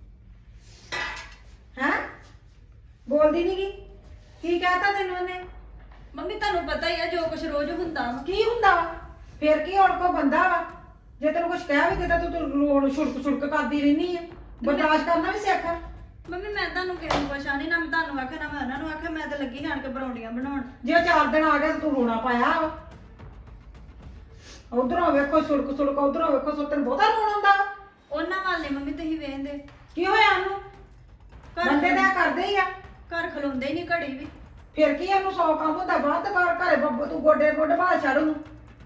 C: ਹੈਂ? ਬੋਲਦੀ ਨੀ ਗੀ? ਕੀ ਕਹਤਾ ਤੈਨੂੰ ਉਹਨੇ?
F: ਮੰਮੀ ਤੁਹਾਨੂੰ ਪਤਾ ਹੀ ਆ ਜੋ ਕੁਝ ਰੋਜ਼ ਹੁੰਦਾ ਵਾ।
C: ਕੀ ਹੁੰਦਾ ਵਾ? ਫੇਰ ਕੀ ਹੁਣ ਕੋ ਬੰਦਾ ਵਾ? ਜੇ ਤੈਨੂੰ ਕੁਝ ਕਹਿ ਵੀ ਦਿੱਤਾ ਤੂੰ ਰੋਣ ਛੁੜਕ ਕਰਦੀ ਰਹਿਨੀ ਆ। ਬਰਦਾਸ਼ਤ ਕਰਨਾ ਵੀ ਸਿੱਖ।
F: ਮੰਮੀ ਮੈਂ ਤੁਹਾਨੂੰ ਕਿਸੇ ਨੂੰ ਪੁੱਛਿਆ ਨਹੀਂ, ਨਾ ਮੈਂ ਤੁਹਾਨੂੰ ਆਖਿਆ ਨਾ ਮੈਂ ਉਹਨਾਂ ਨੂੰ ਆਖਿਆ। ਮੈਂ ਤਾਂ ਲੱਗੀ ਆਣ ਕੇ ਪਰੌਂਠੀਆਂ ਬਣਾਉਣ।
C: ਜੇ ਉਹ 4 ਦਿਨ ਆ ਗਿਆ ਤੇ ਤੂੰ ਰੋਣਾ ਪਾਇਆ ਵਾ। ਉਧਰੋਂ ਵੇਖੋ ਛੁੜਕ ਉਧਰੋਂ ਵੇਖੋ ਤੈਨੂੰ ਬਹੁਤਾ ਰੋਣ ਆਉਂਦਾ ਵਾ।
F: ਉਹਨਾਂ ਵੱਲ ਨੀ ਮੰਮੀ ਤੁਸੀਂ ਵੇਖਦੇ।
C: ਕੀ ਹੋਇਆ ਉਹਨੂੰ? ਬੰਦੇ ਤਾਂ ਕਰਦੇ ਹੀ ਆ।
F: ਘਰ ਖਲੋਂਦੇ ਹੀ ਨਹੀਂ ਘੜੀ ਵੀ।
C: ਫਿਰ ਕੀ ਉਹਨੂੰ 100 ਕੰਮ ਹੁੰਦਾ ਬਾਹਰ ਤੇ ਬਾਹਰ ਘਰੇ ਬੱਬੂ ਤੂੰ ਗੋਡੇ ਬਾਹਰ ਛੱਡ ਉਹਨੂੰ।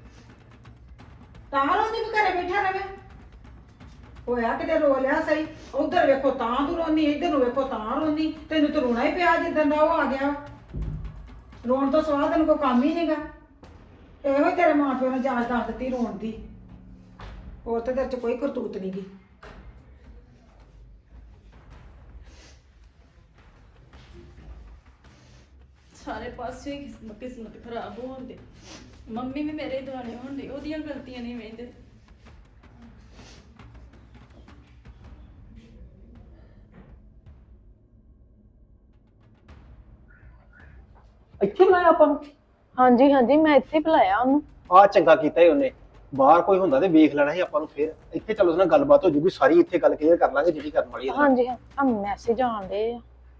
C: ਤਾਂ ਰੋਂਦੀ ਵੀ ਘਰੇ ਬੈਠਾ ਰਵੇ। ਹੋਇਆ ਕਿਤੇ ਰੋ ਲਿਆ ਸਹੀ। ਉਧਰ ਵੇਖੋ ਤਾਂ ਤੂੰ ਰੋਂਦੀ, ਇੱਧਰ ਨੂੰ ਵੇਖੋ ਤਾਂ ਰੋਂਦੀ। ਤੈਨੂੰ ਤਾਂ ਰੋਣਾ ਹੀ ਪਿਆ ਜਿੱਦਾਂ ਦਾ ਉਹ ਆ ਗਿਆ। ਰੋਣ ਤੋਂ ਸਵਾਦ ਤੈਨੂੰ ਕੋਈ ਕੰਮ ਹੀ ਨਹੀਂਗਾ। ਇਹੋ ਹੀ ਤੇਰੇ ਮਾਂ ਪਿਓ ਨੇ ਜਾਂਚ ਦੱਸ ਦਿੱਤੀ ਰੋਣ ਦੀ। ਹੋਰ ਤੇ ਤੇਰੇ ਚ ਕੋਈ ਕਰਤੂਤ ਨਹੀਂ ਗੀ।
F: ਸਾਰੇ ਪਾਸੇ ਕਿਸਮਤ ਖਰਾਬ ਹੋਣ ਦੇ। ਮੰਮੀ ਵੀ ਮੇਰੇ ਦੁਆਲੇ ਹੋਣ ਦੇ, ਉਹਦੀਆਂ ਗਲਤੀਆਂ ਨਹੀਂ ਵੇਖਦੇ।
B: ਇੱਥੇ ਬੁਲਾਇਆ ਆਪਾਂ ਨੂੰ?
G: ਹਾਂਜੀ ਹਾਂਜੀ, ਮੈਂ ਇੱਥੇ ਬੁਲਾਇਆ ਉਹਨੂੰ।
B: ਆ ਚੰਗਾ ਕੀਤਾ ਹੀ ਉਹਨੇ। ਬਾਹਰ ਕੋਈ ਹੁੰਦਾ ਤੇ ਵੇਖ ਲੈਣਾ ਸੀ ਆਪਾਂ ਨੂੰ। ਫੇਰ ਇੱਥੇ ਚਲੋ ਉਸ ਨਾਲ ਗੱਲਬਾਤ ਹੋ ਜੂਗੀ ਸਾਰੀ। ਇੱਥੇ ਗੱਲ ਕਲੀਅਰ ਕਰ ਲਾਂਗੇ ਜਿਹੜੀ ਕਰਨ ਵਾਲੀ ਹੈ।
G: ਹਾਂਜੀ ਆ ਮੈਸੇਜ ਆਉਂਦੇ ਆ।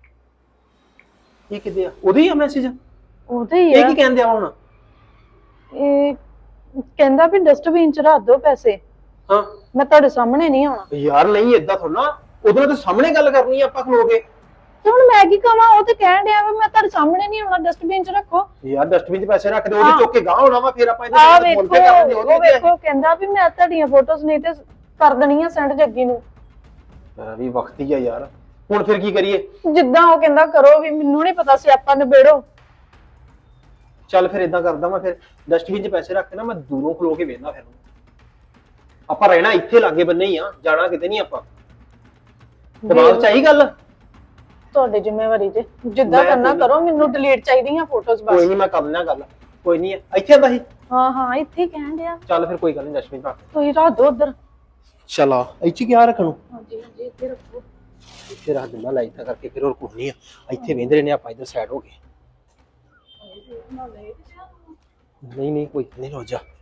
B: ਇਹ ਕਿਤੇ ਆ? ਉਹਦੇ ਹੀ ਆ ਮੈਸੇਜ?
G: ਉਹਦੇ ਹੀ
B: ਇਹ
G: ਆ।
B: ਕੀ ਕਹਿੰਦੇ ਆ ਹੁਣ?
G: ਇਹ ਕਹਿੰਦਾ ਵੀ ਡਸਟਬਿਨ ਚ ਰੱਖ ਦਿਓ ਪੈਸੇ,
B: ਹਾਂ
G: ਮੈਂ ਤੁਹਾਡੇ ਸਾਹਮਣੇ ਨਹੀਂ ਆਉਣਾ।
B: ਯਾਰ ਨਹੀਂ ਏਦਾਂ ਥੋੜਾ। ਉਹਦੇ ਨਾਲ ਤਾਂ ਸਾਹਮਣੇ ਗੱਲ ਕਰਨੀ ਆ ਆਪਾਂ ਖਲੋ ਕੇ।
G: ਤੇ ਹੁਣ ਮੈਂ ਕੀ ਕਵਾਂ? ਉਹ ਤੇ ਕਹਿਣ ਡਿਆ ਵੀ ਮੈਂ ਤੁਹਾਡੇ ਸਾਹਮਣੇ ਨਹੀਂ ਆਉਣਾ, ਡਸਟਬਿਨ ਚ ਰੱਖੋ।
B: ਯਾਰ ਡਸਟਬਿਨ 'ਚ ਪੈਸੇ ਰੱਖ ਦੇ, ਉਹਦੇ ਚੁੱਕ ਕੇ ਗਾਹ ਹੋਣਾ ਵਾ। ਫੇਰ ਆਪਾਂ
G: ਆ
B: ਇਹਦੇ
G: ਵੇਖੋ,
B: ਫੋਨ ਤੇ ਕਰਾਂਗੇ।
G: ਉਹ ਵੇਖੋ ਕਹਿੰਦਾ ਵੀ ਮੈਂ ਤੁਹਾਡੀਆਂ ਫੋਟੋਜ਼ ਨਹੀਂ ਤੇ ਕਰ ਦੇਣੀਆਂ ਸੈਂਡ ਜੱਗੀ ਨੂੰ।
B: ਯਾਰ ਵੀ ਵਕਤ ਹੀ ਆ ਯਾਰ। ਹੁਣ ਫਿਰ ਕੀ ਕਰੀਏ?
G: ਜਿੱਦਾਂ ਉਹ ਕਹਿੰਦਾ ਕਰੋ, ਵੀ ਮੈਨੂੰ ਨਹੀਂ ਪਤਾ ਸੀ ਆਪਾਂ ਨਿਬੇੜੋ।
B: ਚੱਲ ਫਿਰ ਇਦਾਂ ਕਰਦਾ ਮੈਂ। ਫਿਰ ਡਸਟਬਿਨ 'ਚ ਪੈਸੇ ਰੱਖ ਕੇ ਨਾ ਮੈਂ ਦੂਰੋਂ ਖਲੋ ਕੇ ਵੇਖਦਾ। ਫਿਰ ਆਪਾਂ ਰਹਿਣਾ ਇੱਥੇ ਲਾਗੇ ਬੰਨੇ ਹੀ ਆ, ਜਾਣਾ ਕਿਤੇ ਨਹੀਂ ਆਪਾਂ। ਦਿਮਾਗ 'ਚ ਆਈ ਗੱਲ?
G: ਤੁਹਾਡੀ ਜ਼ਿੰਮੇਵਾਰੀ ਜੇ ਜਿੱਦਾਂ ਕਰਨਾ ਕਰੋ, ਮੈਨੂੰ ਡਿਲੀਟ ਚਾਹੀਦੀਆਂ ਫੋਟੋਜ਼
B: ਕੋਈ
G: ਬਸ।
B: ਨਹੀਂ, ਮੈਂ ਕਰ ਲੈਣਾ ਗੱਲ। ਕੋਈ ਨਹੀਂ ਇੱਥੇ ਆਂਦਾ ਸੀ।
G: ਹਾਂ ਹਾਂ, ਇੱਥੇ ਹੀ ਕਹਿਣ ਡਿਆ।
B: ਚੱਲ ਫਿਰ ਕੋਈ ਗੱਲ ਨਹੀਂ, ਡਸਟਬਿਨ ਰੱਖ।
G: ਤੁਸੀਂ ਰੱਖ ਦਿਓ ਉਧਰ।
B: ਚਲ ਆ ਇੱਥੇ ਕੀ ਰੱਖਣ ਨੂੰ?
G: ਹਾਂਜੀ ਹਾਂਜੀ, ਇੱਥੇ ਰੱਖੋ।
B: ਇੱਥੇ ਰੱਖ ਦਿੰਦਾ ਲੈ ਇੱਦਾਂ ਕਰਕੇ, ਫਿਰ ਹੋਰ ਕੁਝ ਨਹੀਂ ਆ। ਇੱਥੇ ਵੇਂਦੇ ਰਹਿੰਦੇ ਆਪਾਂ ਇੱਧਰ ਸਾਈਡ ਹੋ ਕੇ। ਨਹੀਂ ਨਹੀਂ ਕੋਈ ਨਹੀਂ, ਰੋ ਜਾ।